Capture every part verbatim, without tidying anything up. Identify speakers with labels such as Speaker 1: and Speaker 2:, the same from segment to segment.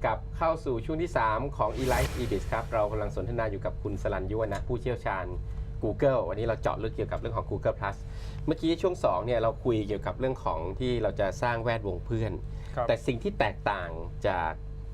Speaker 1: กลับเข้าสู่ช่วงที่ สาม ของ eLife eBiz ครับเรากำลังสนทนาอยู่กับคุณสรัญยุวนะผู้เชี่ยวชาญ Google วันนี้เราเจาะลึกเกี่ยวกับเรื่องของ Google Plus เมื่อกี้ช่วงสองเนี่ยเราคุยเกี่ยวกับเรื่องของที่เราจะสร้างแวดวงเพื่อนแต่สิ่งที่แตกต่างจาก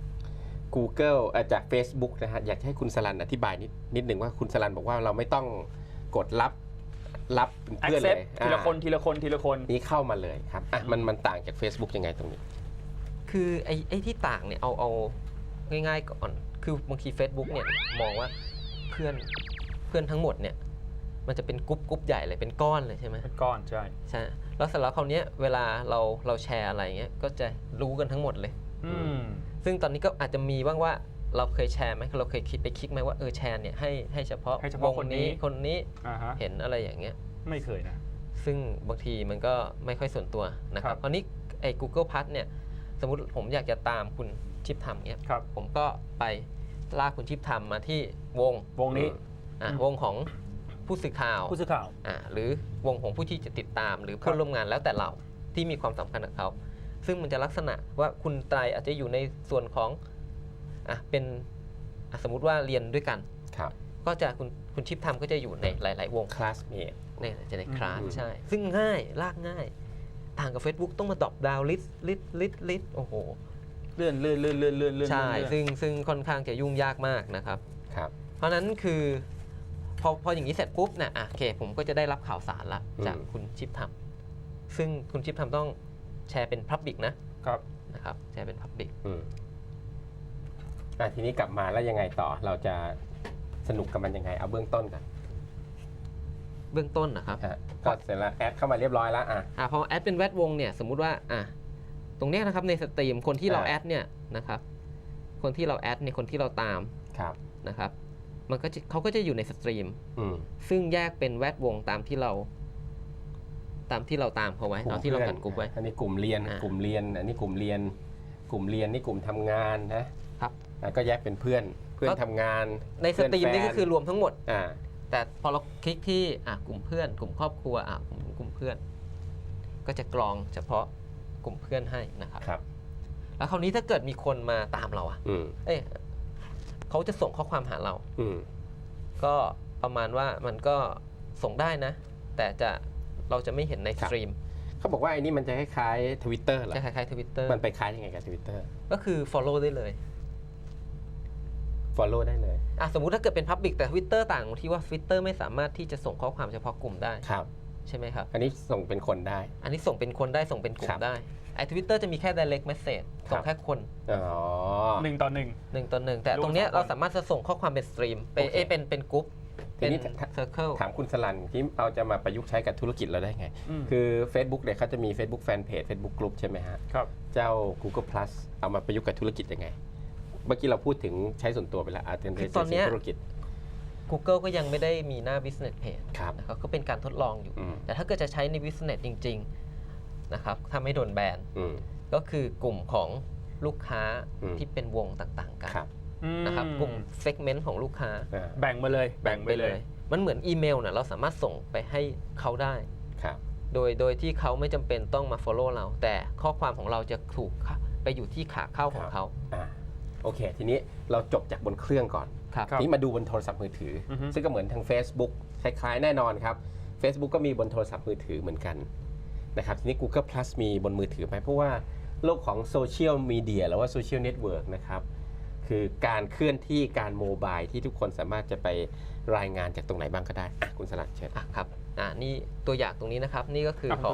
Speaker 1: Google เอ่อจาก Facebook นะฮะอยากให้คุณสรัญอธิบายนิดนิดหนึ่งว่าคุณสรัญบอกว่าเราไม่ต้องกดรับรับเพื่อนเลย
Speaker 2: ทีละคนทีละคนทีละคน
Speaker 1: นี้เข้ามาเลยครับอ่ะมันมันต่างจาก Facebook ยังไงตรงนี้
Speaker 3: คือไอ้ไอ้ที่ต่างเนี่ยเอาเอาง่ายๆก่อนคือบางที Facebook เนี่ยมองว่าเพื่อนเพื่อนทั้งหมดเนี่ยมันจะเป็นกรุ๊ปกรุ๊ปใหญ่เลยเป็นก้อนเลยใช่ไหม
Speaker 2: เป็นก้อนใช่
Speaker 3: ใช่แล้วเสร็จแล้วคราวนี้เวลาเราเราแชร์อะไรเงี้ยก็จะรู้กันทั้งหมดเลย
Speaker 2: อืม
Speaker 3: ซึ่งตอนนี้ก็อาจจะมีบ้างว่าเราเคยแชร์ไหมเราเคยคิดไปคลิกไหมว่าเออแชร์เนี่ยให้ให้เฉพาะ
Speaker 2: ให้เฉพาะคนนี้
Speaker 3: คนนี้
Speaker 2: uh-huh.
Speaker 3: เห็นอะไรอย่างเงี้ย
Speaker 2: ไม่เคยนะ
Speaker 3: ซึ่งบางทีมันก็ไม่ค่อยส่วนตัวนะครับคราวนี้ไอ้ Google Plus เนี่ยสมมุติผมอยากจะตามคุณชิปทำเนี่ยผมก็ไปลากคุณชิปทำมาที่วง
Speaker 2: วงนี้
Speaker 3: อ่ะวงของผู้สื่อข่าว
Speaker 2: ผู้สื่อข่าว
Speaker 3: อ่ะหรือวงของผู้ที่จะติดตามหรือเพื่อนร่วมงานแล้วแต่เราที่มีความสำคัญกับเขาซึ่งมันจะลักษณะว่าคุณไตรอาจจะอยู่ในส่วนของอ่ะเป็นอ่ะสมมุติว่าเรียนด้วยกันก็จะคุณคุณชิปทำก็จะอยู่ในหลาย ๆ วง
Speaker 1: คลาสเมท
Speaker 3: เนี่ยจะในคลาสใช่ซึ่งง่ายลากง่ายต่างกับ Facebook ต้องมาดรอปดาวน์ลิสต์ลิสต์ลิสต์ลิสต์โอ้โห
Speaker 2: เลื่อนเลื่อนเลื่อนเลื่อนเลื่อนเลื่อน
Speaker 3: ใช่ซึ่งซึ่งค่อนข้างจะยุ่งยากมากนะครับ
Speaker 1: ครับ
Speaker 3: เพราะนั้นคือพอพออย่างนี้เสร็จปุ๊บเนี่ยอ่ะโอเคผมก็จะได้รับข่าวสารละจากคุณชิปทำซึ่งคุณชิปทำต้องแชร์เป็น Public นะครับนะครับแชร์เป็น Public
Speaker 1: อืมอ่ะทีนี้กลับมาแล้วยังไงต่อเราจะสนุกกับมันยังไงเอาเบื้องต้นกัน
Speaker 3: เบื้องต้นนะครับ
Speaker 1: ก็เสร็จแล้วแอดเข้ามาเรียบร้อยแล้วอ่ะ
Speaker 3: อ่ะพอแอดเป็นแวดวงเนี่ยสมมุติว่าอ่ะตรงนี้นะครับในสตรีมคนที่เราแอดเนี่ยนะครับคนที่เราแอดเนี่ยคนที่เราตามนะครับมันก็จะเขาก็จะอยู่ในสตรีมซึ่งแยกเป็นแวดวงตามที่เราตามที่เราตามเขาไว้เอาที่เราจัดกลุ่มไว้
Speaker 1: อันนี้กลุ่มเรียนกลุ่มเรียนอันนี้กลุ่มเรียนกลุ่มเรียนนี่กลุ่มทำงานนะครับก็แยกเป็นเพื่อนเพื่อนทำงาน
Speaker 3: ในสตรีมนี่ก็คือรวมทั้งหมดแต่พอเราคลิกที่กลุ่มเพื่อนกลุ่มครอบครัวกลุ่มเพื่อนก็จะกรองเฉพาะกลุ่มเพื่อนให้นะครับ
Speaker 1: ครับ
Speaker 3: แล้วคราวนี้ถ้าเกิดมีคนมาตามเราอ่ะเอ้ยเขาจะส่งข้อความหาเราก็ประมาณว่ามันก็ส่งได้นะแต่จะเราจะไม่เห็นในสตรีม
Speaker 1: เขาบอกว่าไอ้นี่มันจะคล้ายๆ Twitter เหรอ
Speaker 3: จะคล้ายๆ Twitter
Speaker 1: มันไปคล้ายยังไงกับ Twitter
Speaker 3: ก็คือ follow ได้เลย
Speaker 1: follow ได้เลย
Speaker 3: อ่ะสมมุติถ้าเกิดเป็น Public แต่ Twitter ต่างที่ว่า Twitter ไม่สามารถที่จะส่งข้อความเฉพาะกลุ่มได้
Speaker 1: ครับ
Speaker 3: ใช่ไหมครับ
Speaker 1: อันนี้ส่งเป็นคนได้
Speaker 3: อันนี้ส่งเป็นคนได้ส่งเป็นกลุ่มได้ไอ้ Twitter จะมีแค่ direct message ส่งแค่คน
Speaker 1: อ๋อ
Speaker 2: หนึ่งต่อหนึ่ง
Speaker 3: หนึ่งต่อหนึ่งแต่ตรงเนี้ยเราสามารถจะส่งข้อความเป็นสตรีมเป็นเอเป็นเป็นกลุ่ม
Speaker 1: เป็นเซอร์เคิลถามคุณสรัญที่เราจะมาประยุกต์ใช้กับธุรกิจเราได้ไงคือ Facebook เนี่ยเขาจะมี Facebook Fanpage Facebook Group ใช่ไหมฮะ
Speaker 2: ครับ
Speaker 1: เจ้า Google Plus เอามาประยุกต์กับธุรกิจยังไงเมื่อกี้เราพูดถึงใช้ส่วนตัวไปแล้วอาจจะเป็นธุรกิจ
Speaker 3: Google ก็ยังไม่ได้มีหน้า business page
Speaker 1: นะครับ
Speaker 3: ก็เป็นการทดลองอยู่แต่ถ้าเกิดจะใช้ใน business จริงๆนะครับถ้าไม่โดนแบนก็คือกลุ่มของลูกค้าที่เป็นวงต่างๆกันนะครับกลุ่ม segment ของลูกค้า
Speaker 2: แบ่งมาเลยแบ่งไปเลย
Speaker 3: มันเหมือนอีเมลนะเราสามารถส่งไปให้เขาได้โดยโดยที่เขาไม่จำเป็นต้องมา follow เราแต่ข้อความของเราจะถูกไปอยู่ที่ขาเข้าของเขา
Speaker 1: โอเคทีนี้เราจบจากบนเครื่องก่อนทีนี้มาดูบนโทรศัพท์มือถือซึ่งก็เหมือนทาง Facebook คล้ายๆแน่นอนครับ Facebook ก็มีบนโทรศัพท์มือถือเหมือนกันนะครับทีนี้ Google Plus มีบนมือถือไหมเพราะว่าโลกของโซเชียลมีเดียหรือว่าโซเชียลเน็ตเวิร์กนะครับคือการเคลื่อนที่การโมบายที่ทุกคนสามารถจะไปรายงานจากตรงไหนบ้างก็ได้คุณสลัดเชิญ
Speaker 3: ครับอ่านี่ตัวอย่างตรงนี้นะครับนี่ก็คือของ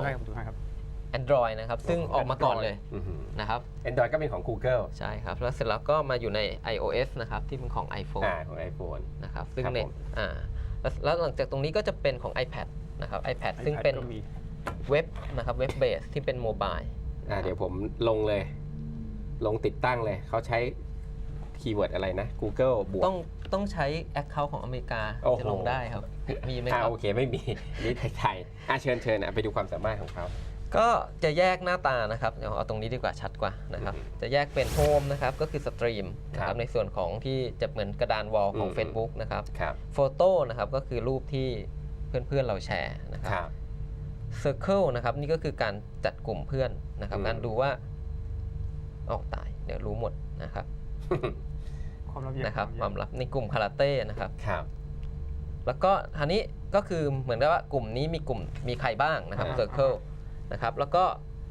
Speaker 3: Android นะครับซึ่งออกมาก่อนเลยนะครับ
Speaker 1: Android ก็เป็นของ Google
Speaker 3: ใช่ครับแล้วเสร็จแล้วก็มาอยู่ใน iOS นะครับที่เป็นของ iPhone
Speaker 1: อ่าของ iPhone
Speaker 3: นะครับซึ่งในอ่าแล้วหลังจากตรงนี้ก็จะเป็นของ iPad นะครับ iPad ซึ่งเป็นเว็บนะครับเว็บเบสที่เป็นโมบาย
Speaker 1: อ่าเดี๋ยวผมลงเลยลงติดตั้งเลยเขาใช้คีย์เวิร์ดอะไรนะ Google บวก
Speaker 3: ต้องต้องใช้ Account ของอเมริกาจะลงได้ครับมีไหมครับ
Speaker 1: โอเคไม่มีนี่ไทยๆอ่ะเชิญเชิญไปดูความสามารถของเขา
Speaker 3: ก็จะแยกหน้าตานะครับเดี๋ยวเอาตรงนี้ดีกว่าชัดกว่านะครับจะแยกเป็นโฮมนะครับก็คือสตรีมนะครับในส่วนของที่จะเหมือนกระดานวอลของ Facebook นะครับโฟโต้นะครับก็คือรูปที่เพื่อนๆเราแชร์นะครับCircle นะครับนี่ก็คือการจัดกลุ่มเพื่อนนะครับการดูว่าออกตายเดี๋ยวรู้หมดนะครับ
Speaker 2: ความลับเยอะ
Speaker 3: นะครับความ
Speaker 2: เยอะ
Speaker 3: ลับในกลุ่มคาราเต้นะครับ
Speaker 1: ครับ
Speaker 3: แล้วก็อันนี้ก็คือเหมือนกับว่ากลุ่มนี้มีกลุ่มมีใครบ้างนะครับ
Speaker 1: อ่า
Speaker 3: Circle นะครับแล้วก็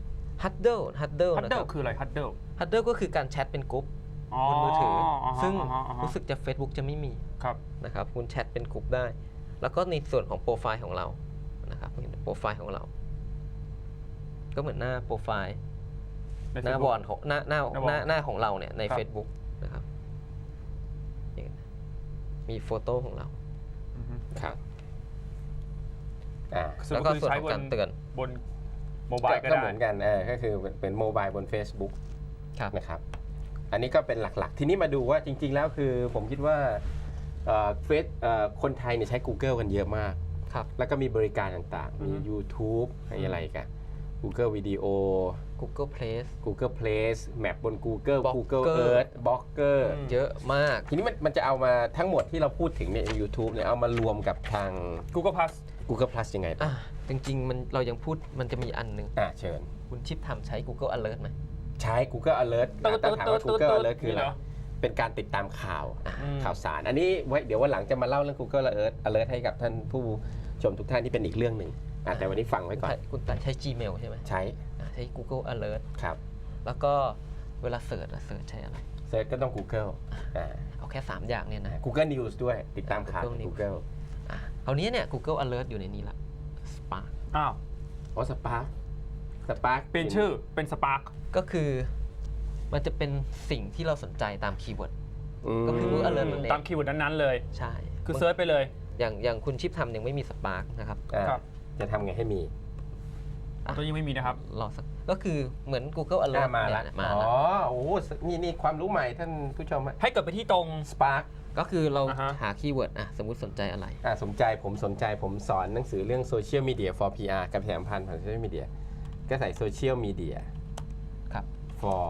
Speaker 3: Huddle Huddle
Speaker 2: ฮัด
Speaker 3: นะ
Speaker 2: เดิ
Speaker 3: ค
Speaker 2: ล
Speaker 3: รับ
Speaker 2: คืออะไรฮัดเดิล
Speaker 3: Huddle ก็คือการแชทเป็นกลุ่มบนมือถือ ซึ่งรู้สึกจะ Facebook จะไม่มี
Speaker 2: ครับ
Speaker 3: นะครับคุณแชทเป็นกลุ่มได้ แล้วก็ในส่วนของโปรไฟล์ของเรานะครับโปรไฟล์ของเรา ก็เหมือนหน้าโปรไฟล์
Speaker 2: ใน
Speaker 3: หน้า
Speaker 2: Facebook
Speaker 3: บอลของหน้าหน้า
Speaker 2: หน้าบอล
Speaker 3: หน้าหน้าของเราเนี่ยใน
Speaker 2: ครับ
Speaker 3: Facebook นะครับอย่างนี้มีโฟโต้ของเรา
Speaker 2: อือฮึ
Speaker 1: ครับอ่า
Speaker 2: สรุ
Speaker 3: แล้
Speaker 2: ป
Speaker 3: วก็
Speaker 2: คือ
Speaker 3: ส่วน
Speaker 2: ใช้
Speaker 3: ของ
Speaker 2: บน
Speaker 3: การเตือน
Speaker 2: บนโมบายก็
Speaker 1: ก็
Speaker 2: ได้
Speaker 1: เหมือนกันเออก็คือเป็นโมบายบน Facebook
Speaker 3: ครับ
Speaker 1: นะครับ อันนี้ก็เป็นหลักๆ ทีนี้มาดูว่าจริง ๆ แล้วคือผมคิดว่าเฟซคนไทยเนี่ยใช้ Google กันเยอะมาก
Speaker 3: ครับ
Speaker 1: แล้วก็มีบริการต่างๆ มี YouTube อะไรกัน Google Video
Speaker 3: Google Place
Speaker 1: Google Place Map บน Google
Speaker 3: Blogger
Speaker 1: Google Earth Blogger
Speaker 2: อืม
Speaker 3: เยอะมาก
Speaker 1: ทีนี้มันมันจะเอามาทั้งหมดที่เราพูดถึงใน YouTube เนี่ยเอามารวมกับทาง
Speaker 2: Google Plus
Speaker 1: Google Plus ยังไง
Speaker 3: อ่ะจริงๆมันเรายังพูดมันจะมีอันหนึ่ง
Speaker 1: อ่าเชิญ
Speaker 3: คุณชิปทำใช้ Google Alert ไหม
Speaker 1: ใช้ Google Alert
Speaker 2: ตึ๊ด
Speaker 1: ตั้งถามว่า
Speaker 2: ตึ๊ด
Speaker 1: Google
Speaker 2: ตึ๊ด
Speaker 1: Alert คืออะไร
Speaker 2: นี่เหรอ
Speaker 1: เป็นการติดตามข่าว
Speaker 2: อืม
Speaker 1: ข่าวสาร อันนี้ไว้เดี๋ยววันหลังจะมาเล่าเรื่อง Google Alert Alert ให้กับท่านผู้ชมทุกท่านที่เป็นอีกเรื่องหนึ่งอ่ะแต่วันนี้ฟังไว้ก่อน
Speaker 3: คุณตันใช้ Gmail ใช่ไหม
Speaker 1: ใช้
Speaker 3: อ่ะใช้ Google Alert
Speaker 1: ครับ
Speaker 3: แล้วก็เวลาเสิร์ชอะเสิร์ชใช้อะไร
Speaker 1: เซิร์ชก็ต้อง Google อ่า
Speaker 3: เอาแค่ สาม อย่างเนี่ยนะ
Speaker 1: Google News ด้วยติดตามข่าว
Speaker 3: Google News
Speaker 1: Google
Speaker 3: อ่ะคราวนี้เนี่ย Google Alert อยู่ในนี้ละ Spark
Speaker 2: อ้าว
Speaker 1: อ๋อ Spark Spark
Speaker 2: เปลี่ยนชื่อเป็น Spark
Speaker 3: ก็คือมันจะเป็นสิ่งที่เราสนใจตามคีย์เวิร์ด
Speaker 1: ม
Speaker 3: ก็คือ Google Alert มันเอง
Speaker 2: ตามคีย์เวิร์ดนั้นๆเลย
Speaker 3: ใช่
Speaker 2: คือเซิร์ชไปเลย
Speaker 3: อย่างอย่างคุณชิปทำยังไม่มี Spark นะครับ
Speaker 1: อ่า
Speaker 2: ครับ
Speaker 1: จะทำไงให้มี
Speaker 3: อ่ะ
Speaker 2: ตัวยังไม่มีนะครับ
Speaker 3: รอสักก็คือเหมือน Google
Speaker 1: หน้า
Speaker 3: Alert
Speaker 1: มา
Speaker 3: เนี่
Speaker 1: ละ
Speaker 3: ยมา
Speaker 1: อ๋อ
Speaker 3: ละ
Speaker 1: โอ้โหนี่นี่ความรู้ใหม่ท่านผู้ชม
Speaker 2: ให้กดไปที่ตรง
Speaker 1: Spark
Speaker 3: ก็คือเรา
Speaker 2: อ่าฮะ
Speaker 3: หาคีย์เวิร์ดอ่ะสมมุติสนใจอะไร
Speaker 1: อ่าสนใจผมสนใจผมสอนหนังสือเรื่อง Social Media for พี อาร์ การประชาสัมพันธ์ผ่าน Social Media ก็ใส่ Social Media
Speaker 3: ครับ
Speaker 1: for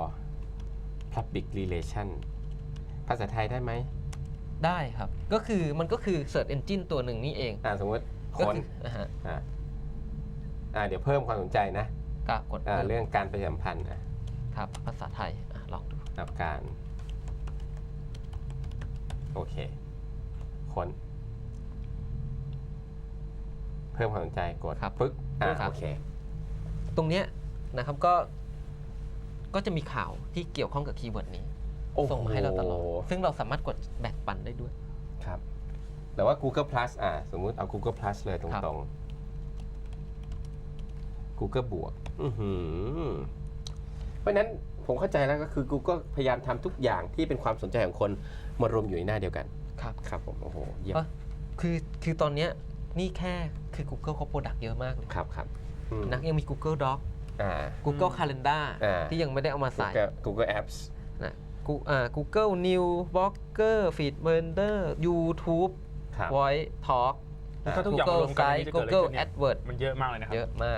Speaker 1: Public Relation ภาษาไทยได้ไหม
Speaker 3: ได้ครับ ก็คือมันก็คือ Search Engine ตัวหนึ่งนี่เอง
Speaker 1: อ่าสมมติค
Speaker 3: ก็
Speaker 1: น
Speaker 3: คืออ่าฮะ
Speaker 1: อ่าอ่าเดี๋ยวเพิ่มความสนใจนะ
Speaker 3: ก็กด
Speaker 1: อ่า
Speaker 3: เพิ่ม
Speaker 1: เรื่องการประชาสัมพันธ์อ่ะ
Speaker 3: ครับภาษาไทยอ่ะลองดู
Speaker 1: กับการ โอเค คน เพิ่มความสนใจกด
Speaker 3: ครับ
Speaker 1: ปึ๊กอ่า
Speaker 3: ครับ
Speaker 1: โอเค
Speaker 3: ตรงเนี้ยนะครับก็ก็จะมีข่าวที่เกี่ยวข้องกับคีย์เวิร์ดนี้
Speaker 1: โอ้โห
Speaker 3: ส่งมาให้เราตลอด ซึ่งเราสามารถกดแบ่งปันได้ด้วย
Speaker 1: ครับ แต่ว่า Google Plus อ่าสมมุติเอา Google Plus เลยต
Speaker 3: ครับ
Speaker 1: รงๆ Google บวกอื้อหือเพราะฉะนั้นผมเข้าใจแล้วก็คือ Google พยายามทำทุกอย่างที่เป็นความสนใจของคนมารวมอยู่ในหน้าเดียวกัน
Speaker 3: ครับ
Speaker 1: ครับผม โอ้โห เยี่ยม
Speaker 3: เอ้ยคือคือตอนเนี้ยนี่แค่คือ Google เขาโปรดักต์เยอะมากเลย
Speaker 1: ครับครับอืม
Speaker 3: นะยังมี Google Doc
Speaker 1: อ่า
Speaker 3: Google Calendar
Speaker 1: อ่า
Speaker 3: ที่ยังไม่ได้เอามาใส่
Speaker 1: Google Google Apps
Speaker 3: นะ Gu- อ่า Google News Blogger Feedburner YouTube
Speaker 1: ครับ
Speaker 3: Voice Talk
Speaker 2: ถ้าทุกอย่างมารวมกันนี่จะเกิดอะไร
Speaker 3: Google
Speaker 2: ขึ้นเนี่ย
Speaker 3: AdWords
Speaker 2: มันเยอะมากเลยนะครับ
Speaker 3: เยอะมาก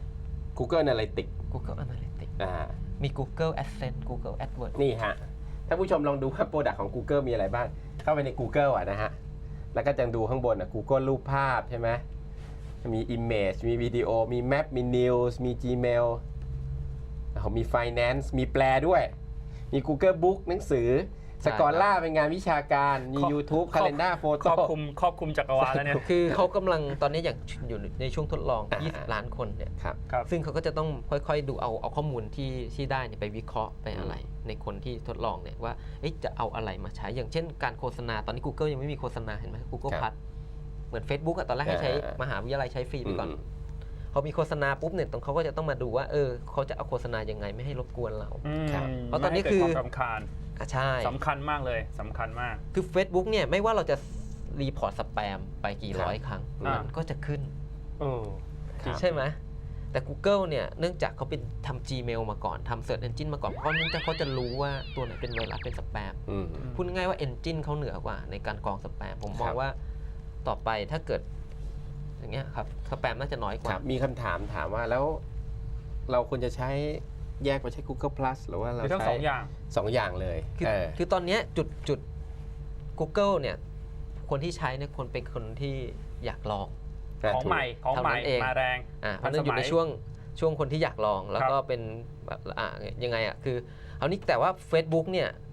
Speaker 1: Google Analytics
Speaker 3: Google Analytics
Speaker 1: อ่า
Speaker 3: มี Google AdSense Google AdWords
Speaker 1: นี่ฮะ ถ้าผู้ชมลองดูว่าโปรดักต์ของ Google มีอะไรบ้าง เข้าไปใน Google อ่ะนะฮะ แล้วก็จะดูข้างบนอ่ะ Google รูปภาพใช่ไหม มี Image มีวิดีโอ มี Map มี News มี Gmail เขามี Finance มีแปลด้วย มี Google Book หนังสือ
Speaker 3: ใช่
Speaker 1: สกอล่าเป็นงานวิชาการ มี
Speaker 2: ครอบ
Speaker 1: YouTube
Speaker 2: ครอบ
Speaker 1: Calendar
Speaker 2: ครอบ
Speaker 1: Photo
Speaker 2: คลุมครอบคลุมจักรวาลแล้วเนี่ย
Speaker 3: คือเขากำลังตอนนี้อย่างอยู่ในช่วงทดลอง
Speaker 1: อ่า
Speaker 3: ยี่สิบ ล้านคนเนี่ย
Speaker 1: ครับ
Speaker 2: ครับ
Speaker 3: ซึ่งเขาก็จะต้องค่อยๆ ดูเอาเอาข้อมูลที่ที่ได้เนี่ยไปวิเคราะห์ไปอะไร ในคนที่ทดลองเนี่ยว่าเอ๊ะจะเอาอะไรมาใช้ อย่างเช่นการโฆษณาตอนนี้ Google ยังไม่มีโฆษณาเห็นไหม Google
Speaker 1: ครับ
Speaker 3: Plus เหมือน Facebook อะตอนแรกให้ใช้
Speaker 1: อ่าม
Speaker 3: มหาวิทยาลัยใช้ฟรีไปก่อน
Speaker 1: อืม
Speaker 3: พอมีโฆษณาปุ๊บเนี่ยตรงเขาก็จะต้องมาดูว่าเออเขาจะเอาโฆษณายังไงไม่ให้รบกวนเรา
Speaker 2: อืม
Speaker 1: ครับ
Speaker 3: เพราะตอนนี้
Speaker 2: ไม่ให้
Speaker 3: คือ
Speaker 2: เกิดความรำคาญ
Speaker 3: อ่ะใช่
Speaker 2: สำคัญมากเลยสำคัญมาก
Speaker 3: คือ Facebook เนี่ยไม่ว่าเราจะรีพอร์ตสแปมไปกี่ร้อยครั้ง
Speaker 2: อ่ามั
Speaker 3: มันก็จะขึ้น
Speaker 2: เออ
Speaker 1: ครับ
Speaker 3: ใช่ไหมแต่ Google เนี่ยเนื่องจากเขาเป็นทำ Gmail มาก่อนทำ Search Engine มาก่อนเพราะเนื่องจากเขาจะรู้ว่าตัวไหนเป็นไวรัสเป็นสแปม
Speaker 1: อืม
Speaker 3: พูดง่ายๆว่า Engine เขาเหนือกว่าในการกรองสแปมผมมอ
Speaker 1: ค
Speaker 3: ง
Speaker 1: รับ
Speaker 3: ว่าต่อไปถ้าเกิดอย่างเงี้ยครับสแปมน่าจะน้อยก
Speaker 1: ค
Speaker 3: ว่า
Speaker 1: รับ มีคำถามถามว่าแล้วเราควรจะใช้แยกไปใช้ Google Plus หรือว่าเรา
Speaker 2: มีทั้ง
Speaker 1: ใช้
Speaker 2: สองอย่าง
Speaker 1: สองอย่างเลย
Speaker 3: คือ
Speaker 1: เออ
Speaker 3: คือตอนเนี้ยจุดจุด Google เนี่ยคนที่ใช้เนี่ยคนเป็นคนที่อยากลอง
Speaker 2: ของใหม่ของใหม่
Speaker 3: เท่านั้นเอง
Speaker 2: มาแรง
Speaker 3: อ่าเพ
Speaker 2: ทั
Speaker 3: ราะ
Speaker 2: น
Speaker 3: ฉะนั้นอยู่ใน
Speaker 2: สมัย
Speaker 3: ช่วงช่วงคนที่อยากลอง แล้วก็
Speaker 2: ครับ
Speaker 3: เป็นแบบอ่ายังไงอ่ะคือเอานี้แต่ว่า Facebook เนี่ย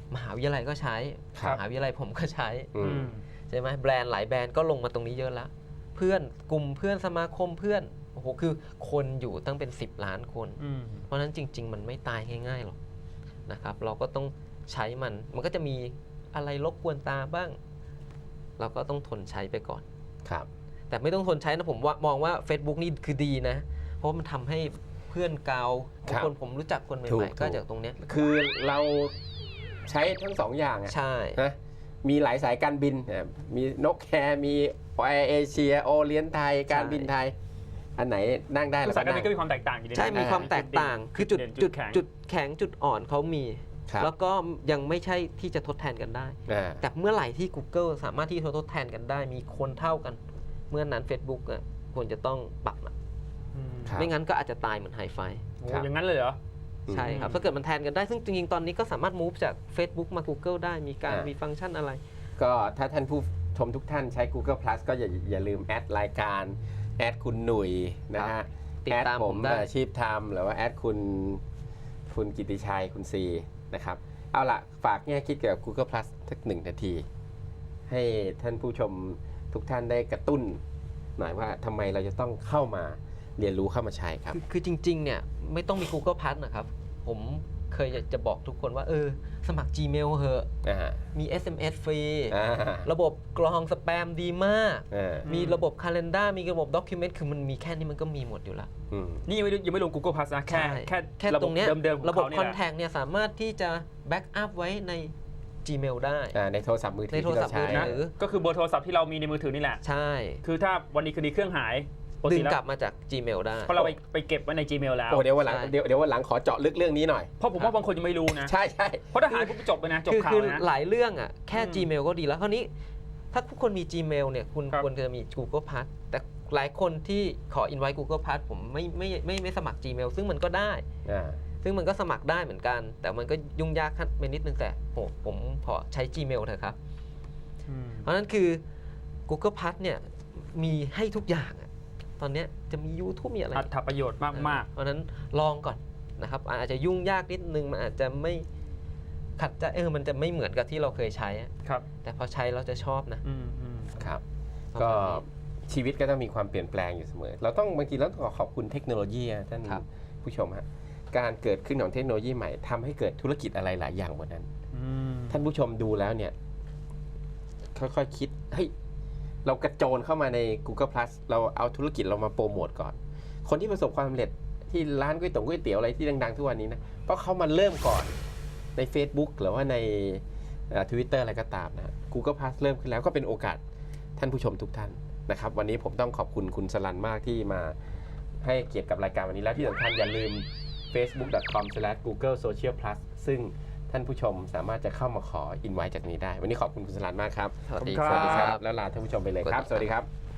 Speaker 3: มหาวิทยาลัยก็ใช้
Speaker 1: ครับ
Speaker 3: มหาวิทยาลัยผมก็ใช้
Speaker 1: อืม
Speaker 3: ใช่ไหมแบรนด์หลายแบรนด์ก็ลงมาตรงนี้เยอะแล้วเพื่อนกลุ่มเพื่อนสมาคมเพื่อนโอ้โหคือคนอยู่ตั้งเป็นสิบล้านคน
Speaker 2: อืม
Speaker 3: เพราะฉะนั้นจริง ๆ มันไม่ตายง่ายๆหรอกนะครับเราก็ต้องใช้มันมันก็จะมีอะไรรบกวนตาบ้าง เราก็ต้องทนใช้ไปก่อน
Speaker 1: ครับ
Speaker 3: แต่ไม่ต้องทนใช้นะผมว่ามองว่า Facebook นี่คือดีนะ เพราะมันทำให้เพื่อนเกา
Speaker 1: ครับ
Speaker 3: คนผมรู้จักคนให
Speaker 1: ถู
Speaker 3: ม่
Speaker 1: ก
Speaker 3: ๆก็
Speaker 1: ถูก
Speaker 3: จากตรงเนี้ย
Speaker 1: คือเราใช้ทั้งสองอย่างอะ
Speaker 3: ใช่
Speaker 1: นะมีหลายสายการบินนะมีนกแคร์มีแอร์เอเชียโอเลียนไทยการบินไทย อันไหนนั่งได้
Speaker 2: คื
Speaker 1: เรา
Speaker 2: อสาย
Speaker 1: ก็
Speaker 2: การบิ
Speaker 1: นั่
Speaker 2: น
Speaker 1: ง
Speaker 2: ก็มีความแตกต่างอยู่ดีนะ
Speaker 3: ใช่มีความแตกต่าง คือจุด
Speaker 2: เน
Speaker 3: จุด
Speaker 2: แข็ง
Speaker 3: จุดแข็งจุดอ่อนเขามี
Speaker 1: ครับ
Speaker 3: แล้วก็ยังไม่ใช่ที่จะทดแทนกันได้
Speaker 1: อ่า
Speaker 3: แต่เมื่อไหร่ที่ Google สามารถที่จะทดแทนกันได้ มีคนเท่ากัน เมื่อนั้น Facebook อ่ะควรจะต้องปรับนะ
Speaker 2: อืม
Speaker 1: ครับ
Speaker 3: ไม่งั้นก็อาจจะตายเหมือนไฮไฟ
Speaker 2: โอ้
Speaker 1: ครับ
Speaker 2: อย่างนั้นเลยเหรอ
Speaker 3: ใช่ครับ
Speaker 2: อืม
Speaker 3: ถ้าเกิดมันแทนกันได้ ซึ่งจริงๆ ตอนนี้ก็สามารถ move จาก Facebook มา Google ได้ มีการ
Speaker 1: อ่ามี
Speaker 3: มีฟังก์ชันอะไร
Speaker 1: ก็ถ้าท่านผู้ชมทุกท่านใช้ Google Plus ก็อย่าอย่าลืมแอดรายการแอดคุณหนุ่ยนะฮะ
Speaker 3: ติดตาม
Speaker 1: แอ
Speaker 3: ผมได้
Speaker 1: อาชีพทำหรือว่าแอดคุณคุณกิติชัยคุณซีนะครับ เอาละฝากแง่คิดเกี่ยวกับ Google Plus สักหนึ่งนาที ให้ท่านผู้ชมทุกท่านได้กระตุ้นหน่อยว่าทำไมเราจะต้องเข้ามาเรียนรู้เข้ามาใช้ครับ
Speaker 3: คือคือจริงๆ เนี่ยไม่ต้องมี Google Plus นะครับ ผมเคยอยากจะบอกทุกคนว่าเออสมัคร Gmail เหอะ
Speaker 1: อ่า
Speaker 3: มี เอส เอ็ม เอส ฟรี
Speaker 1: อ่า
Speaker 3: ระบบกรองสแปมดีมาก
Speaker 1: อ่า
Speaker 3: มีระบบ Calendar มีระบบ Document คือมันมีแค่นี้มันก็มีหมดอยู่แล้ว
Speaker 1: อืม
Speaker 2: นี่ยังไม่ยังไม่ลง Google Plus นะ แค่
Speaker 3: ใช่
Speaker 2: แค่
Speaker 3: แค่
Speaker 2: ระ
Speaker 3: ต
Speaker 2: บ
Speaker 3: ร
Speaker 2: บ
Speaker 3: งเนี้ย
Speaker 2: เดิมๆของ
Speaker 3: ระบบ
Speaker 2: เขาเนี่ยแหละ
Speaker 3: Contact เนี่ยสามารถที่จะ back up ไว้ใน Gmail ได้
Speaker 1: อ่าในโทรศัพท์มือถือ
Speaker 3: ในโทร
Speaker 1: ที่
Speaker 3: ศั
Speaker 1: เรา
Speaker 3: พท์มื
Speaker 1: ใช้
Speaker 3: อถือ
Speaker 2: ก็คือเบอร์โทรศัพท์ที่เรามีในมือถือนี่แหละ
Speaker 3: ใช่
Speaker 2: คือถ้าวันนี้คืนนี้เครื่องหายปก
Speaker 3: ดึ
Speaker 2: ติ
Speaker 3: ง
Speaker 2: แล้ว
Speaker 3: กลับมาจาก Gmail ได้
Speaker 2: เพราะเราไปไปเก็บไว้ใน Gmail แล้ว
Speaker 1: โอ้เดี๋ยววันหลัง
Speaker 3: ใช่
Speaker 1: เดี๋ยวเดี๋ยววันหลังขอเจาะลึกเรื่องนี้หน่อย
Speaker 2: เพราะผมว่าบางคนยังไม่รู้นะ
Speaker 1: ใช่ใช่
Speaker 2: เพราะถ้าหายปุ๊บจบไปนะจบ
Speaker 3: คือ
Speaker 2: ข่าว
Speaker 3: คือ
Speaker 2: เลยนะ
Speaker 3: หลายเรื่องอ่ะแค่
Speaker 2: อืม
Speaker 3: Gmail ก็ดีแล้วคราวนี้ถ้าทุกคนมี Gmail เนี่ยคุณ
Speaker 2: ครับ
Speaker 3: ควรจะมี Google Plus แต่หลายคนที่ขอ invite Google Plus ผมไม่ไม่ไม่ไม่สมัคร Gmail ซึ่งมันก็ได้
Speaker 1: อ่า
Speaker 3: ซึ่งมันก็สมัครได้เหมือนกัน แต่มันก็ยุ่งยากไปนิดนึงแต่โหผมขอใช้ Gmail เถอะครับ
Speaker 2: อืม
Speaker 3: เพราะฉะนั้นคือ Google Plus เนี่ยมีให้ทุกอย่างอะตอนเนี้ยจะมี YouTube มีอะไร
Speaker 2: อัตประโยชน์มาก
Speaker 3: เพราะฉะนั้นลองก่อนนะครับอาจจะยุ่งยากนิดนึงมันอาจจะไม่ขัดใจเออมันจะไม่เหมือนกับที่เราเคยใช้อะ
Speaker 2: ๆ ครับ
Speaker 3: แต่พอใช้เราจะชอบนะ
Speaker 2: อืมอืม
Speaker 1: ครับ
Speaker 3: ประ
Speaker 1: ก็
Speaker 3: มาณนี้
Speaker 1: ชีวิตก็ต้องมีความเปลี่ยนแปลงอยู่เสมอ เราต้องบางทีเราต้องขอบคุณเทคโนโลยีอะท่าน
Speaker 3: ครับ
Speaker 1: ผู้ชมฮะการเกิดขึ้นของเทคโนโลยีใหม่ทำให้เกิดธุรกิจอะไรหลายอย่างบนนั้น
Speaker 2: อืม
Speaker 1: ท่านผู้ชมดูแล้วเนี่ย ค่อยๆคคิดเฮ้ยเรากระโจนเข้ามาใน Google Plus เราเอาธุรกิจเรามาโปรโมทก่อน คนที่ประสบความสำเร็จที่ร้านก๋วยเตี๋ยวก๋วยเตี๋ยวอะไรที่ดังๆทุกวันนี้นะเพราะเขามาเริ่มก่อนใน Facebook หรือว่าในทวิตเตอร์อะไรก็ตามนะ Google Plus เริ่มขึ้นแล้วก็เป็นโอกาสท่านผู้ชมทุกท่านนะครับ วันนี้ผมต้องขอบคุณคุณสลันมากที่มาให้เกียรติกับรายการวันนี้แล้วที่สำคัญอย่าลืม เฟซบุ๊ก ดอท คอม สแลช กูเกิล โซเชียล พลัส ซึ่งท่านผู้ชมสามารถจะเข้ามาขออินไว้จากนี้ได้ วันนี้ขอบคุณคุณสลันมากครับ
Speaker 3: สวัสดี
Speaker 2: ขอบ
Speaker 3: ค
Speaker 2: คุณ
Speaker 3: รั
Speaker 2: ครับ
Speaker 3: บ
Speaker 1: แล้วลาท่านผู้ชมไปเลยครับ สวัสดีครับ